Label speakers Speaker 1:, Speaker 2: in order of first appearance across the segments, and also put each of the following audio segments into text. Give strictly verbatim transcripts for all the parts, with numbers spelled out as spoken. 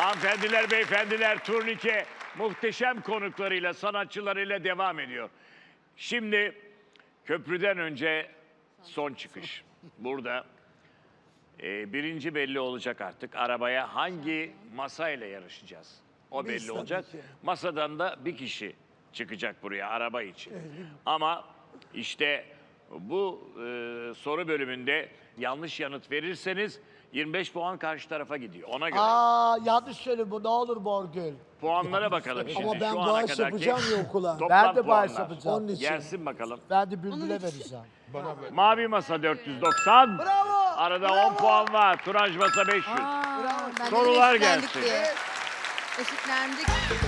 Speaker 1: Hanımefendiler, beyefendiler, turnike muhteşem konuklarıyla, sanatçılarıyla devam ediyor. Şimdi köprüden önce son çıkış. Burada e, birinci belli olacak artık. Arabaya hangi masayla yarışacağız? O belli
Speaker 2: Biz
Speaker 1: olacak.
Speaker 2: tabii ki.
Speaker 1: Masadan da bir kişi çıkacak buraya araba için. Ama işte bu e, soru bölümünde yanlış yanıt verirseniz yirmi beş puan karşı tarafa gidiyor. Ona göre.
Speaker 2: Aa yanlış söyle bu ne olur Borgül.
Speaker 1: Puanlara bakalım şimdi.
Speaker 2: Ama ben
Speaker 1: Şu ana
Speaker 2: bağış
Speaker 1: kadarki
Speaker 2: yapacağım ya okula.
Speaker 1: toplam
Speaker 2: Ben de bağış
Speaker 1: puanlar.
Speaker 2: yapacağım. Onun için.
Speaker 1: Gelsin bakalım.
Speaker 2: Ben de Bülbül'e vereceğim.
Speaker 1: Mavi masa dört yüz doksan.
Speaker 2: Bravo!
Speaker 1: Arada
Speaker 2: Bravo!
Speaker 1: on puan var. Turanj masa beş yüz.
Speaker 3: Aa, ben de
Speaker 1: Sorular
Speaker 3: eşitlendik
Speaker 1: gelsin.
Speaker 3: diye. Eşitlendik.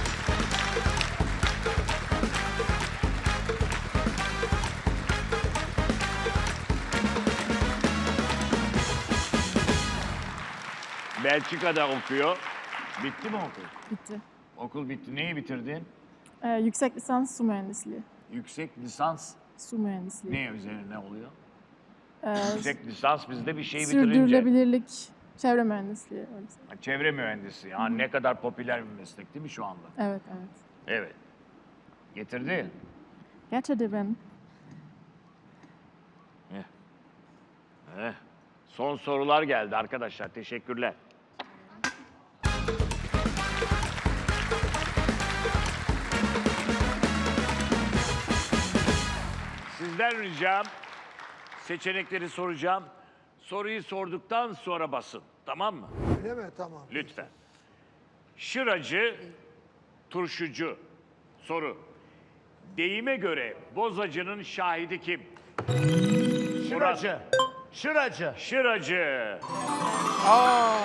Speaker 1: Belçika'da okuyor. Bitti mi okul?
Speaker 4: Bitti.
Speaker 1: Okul bitti. Neyi bitirdin?
Speaker 4: Ee, yüksek lisans su mühendisliği.
Speaker 1: Yüksek lisans
Speaker 4: Su mühendisliği.
Speaker 1: ne üzerine oluyor?
Speaker 4: Ee,
Speaker 1: Yüksek lisans bizde bir şey bitirince.
Speaker 4: sürdürülebilirlik, çevre mühendisliği. Öyle söyleyeyim.
Speaker 1: Ha, çevre mühendisi. Ya ne kadar popüler bir meslek değil mi şu anda?
Speaker 4: Evet, evet.
Speaker 1: Evet. Getirdi.
Speaker 4: Gerçekten ben.
Speaker 1: Eh. Son sorular geldi arkadaşlar. Teşekkürler. Sizden ricam seçenekleri soracağım. Soruyu sorduktan sonra basın. Tamam mı?
Speaker 2: Öyle mi? Tamam.
Speaker 1: Lütfen. Şıracı, turşucu. Soru. Deyime göre bozacının şahidi kim?
Speaker 2: Şıracı. Şıracı.
Speaker 1: Şıracı.
Speaker 2: Aa.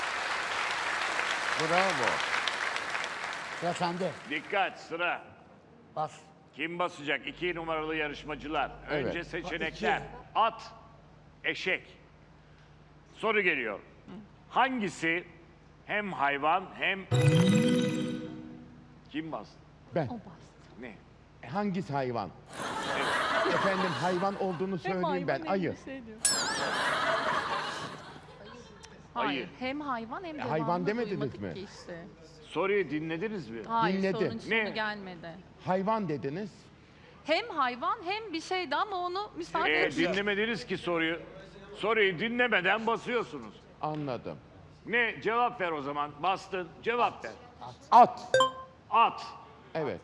Speaker 5: Bravo.
Speaker 2: Ya sende.
Speaker 1: Dikkat sıra.
Speaker 2: Bas.
Speaker 1: Kim basacak? İki numaralı yarışmacılar. Önce
Speaker 5: Evet.
Speaker 1: seçenekler. At, eşek. Soru geliyor. Hangisi hem hayvan hem... Kim bastı?
Speaker 5: Ben.
Speaker 1: Ne?
Speaker 5: Hangisi hayvan? Efendim hayvan olduğunu söyleyeyim ben. Ayı.
Speaker 6: Hayır.
Speaker 1: Ayı.
Speaker 6: Hem hayvan hem de
Speaker 5: hayvan
Speaker 6: hayvan
Speaker 5: demediniz
Speaker 6: duymadık
Speaker 5: mi?
Speaker 6: ki işte.
Speaker 1: Soruyu dinlediniz mi?
Speaker 6: Hayır,
Speaker 5: Dinledi.
Speaker 6: sorunun sonu
Speaker 1: Ne?
Speaker 6: gelmedi.
Speaker 5: Hayvan dediniz.
Speaker 6: Hem hayvan hem bir şeydi ama onu müsaade
Speaker 1: Ee,
Speaker 6: etmiyor.
Speaker 1: dinlemediniz ki soruyu. Soruyu dinlemeden basıyorsunuz.
Speaker 5: Anladım.
Speaker 1: Ne? Cevap ver o zaman. Bastın. Cevap ver.
Speaker 5: At.
Speaker 1: At.
Speaker 5: Evet.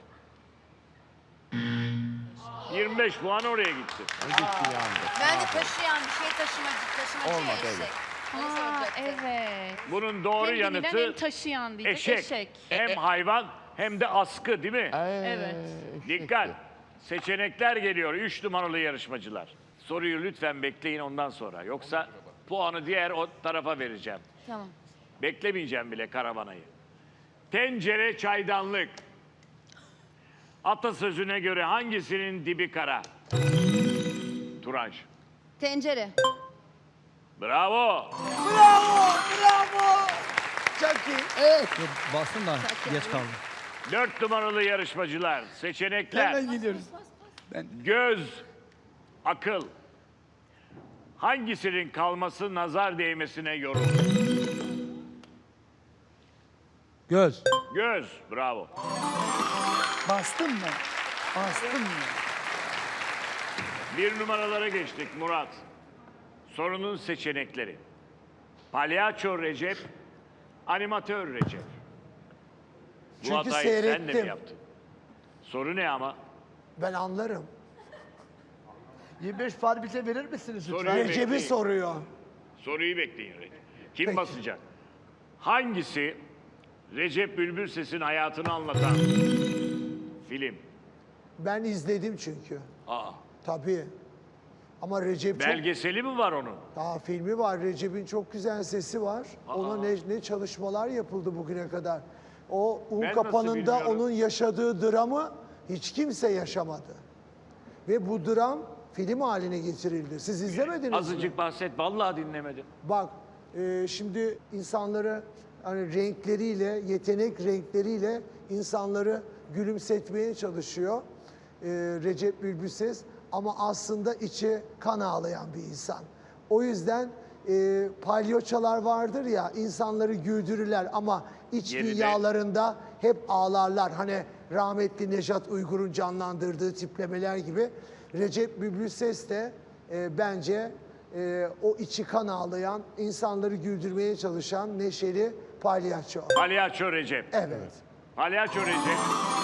Speaker 1: yirmi beş puan oraya gitti.
Speaker 5: Gitti yandı.
Speaker 3: Ben de taşıyan bir şey taşımacı, taşımacı
Speaker 5: Olmadı,
Speaker 3: ya eşek.
Speaker 5: evet.
Speaker 3: Onu
Speaker 6: Ha,
Speaker 3: soracaktım.
Speaker 6: evet.
Speaker 1: Bunun doğru
Speaker 6: Hem bilinen
Speaker 1: yanıtı
Speaker 6: hem taşıyan diyecek
Speaker 1: eşek.
Speaker 6: eşek.
Speaker 1: Hem hayvan hem de askı değil mi?
Speaker 5: Ee,
Speaker 6: Evet.
Speaker 1: Dikkat. Seçenekler geliyor. Üç numaralı yarışmacılar. Soruyu lütfen bekleyin ondan sonra. Yoksa puanı diğer o tarafa vereceğim.
Speaker 3: Tamam.
Speaker 1: Beklemeyeceğim bile karavanayı. Tencere çaydanlık. Atasözüne göre hangisinin dibi kara? Turanj.
Speaker 3: Tencere.
Speaker 1: Bravo.
Speaker 2: Bravo. Bravo. Çok iyi. Evet.
Speaker 7: Bastım da geç kaldım.
Speaker 1: Dört numaralı yarışmacılar. Seçenekler.
Speaker 2: Hemen gidiyoruz.
Speaker 1: Göz, akıl. Hangisinin kalması nazar değmesine yorulur?
Speaker 7: Göz.
Speaker 1: Göz, bravo.
Speaker 2: Bastın mı? Bastın mı?
Speaker 1: Bir numaralara geçtik Murat. Sorunun seçenekleri. Palyaço Recep, animatör Recep. Bu
Speaker 2: Çünkü
Speaker 1: hatayı sen de mi
Speaker 2: seyrettim.
Speaker 1: yaptın? Soru ne ama?
Speaker 2: Ben anlarım. yirmi beş far bize verir misiniz lütfen?
Speaker 1: Soruyu
Speaker 2: Recep'i
Speaker 1: bekleyin.
Speaker 2: soruyor.
Speaker 1: Soruyu bekleyin Recep. Kim
Speaker 2: Peki.
Speaker 1: basacak? Hangisi Recep Bülbülses'in hayatını anlatan film?
Speaker 2: Ben izledim çünkü.
Speaker 1: Aa,
Speaker 2: Tabii. Ama Recep çok...
Speaker 1: belgeseli mi var onun?
Speaker 2: Daha filmi var. Recep'in çok güzel sesi var. Ona ne, ne çalışmalar yapıldı bugüne kadar. O un
Speaker 1: Ben nasıl
Speaker 2: kapanında
Speaker 1: bilmiyorum?
Speaker 2: onun yaşadığı dramı hiç kimse yaşamadı. Ve bu dram film haline getirildi. Siz izlemediniz mi?
Speaker 1: Azıcık bahset, vallahi dinlemedim.
Speaker 2: Bak, e, şimdi insanları hani renkleriyle, yetenek renkleriyle insanları gülümsetmeye çalışıyor e, Recep Bülbülses. Ama aslında içi kan ağlayan bir insan. O yüzden e, palyaçolar vardır ya, insanları güldürürler ama iç
Speaker 1: Geride.
Speaker 2: dünyalarında hep ağlarlar. Hani rahmetli Nejat Uygur'un canlandırdığı tiplemeler gibi. Recep Bülbül Ses de e, bence e, o içi kan ağlayan, insanları güldürmeye çalışan neşeli palyaço.
Speaker 1: Palyaço Recep.
Speaker 2: Evet.
Speaker 1: Palyaço Recep.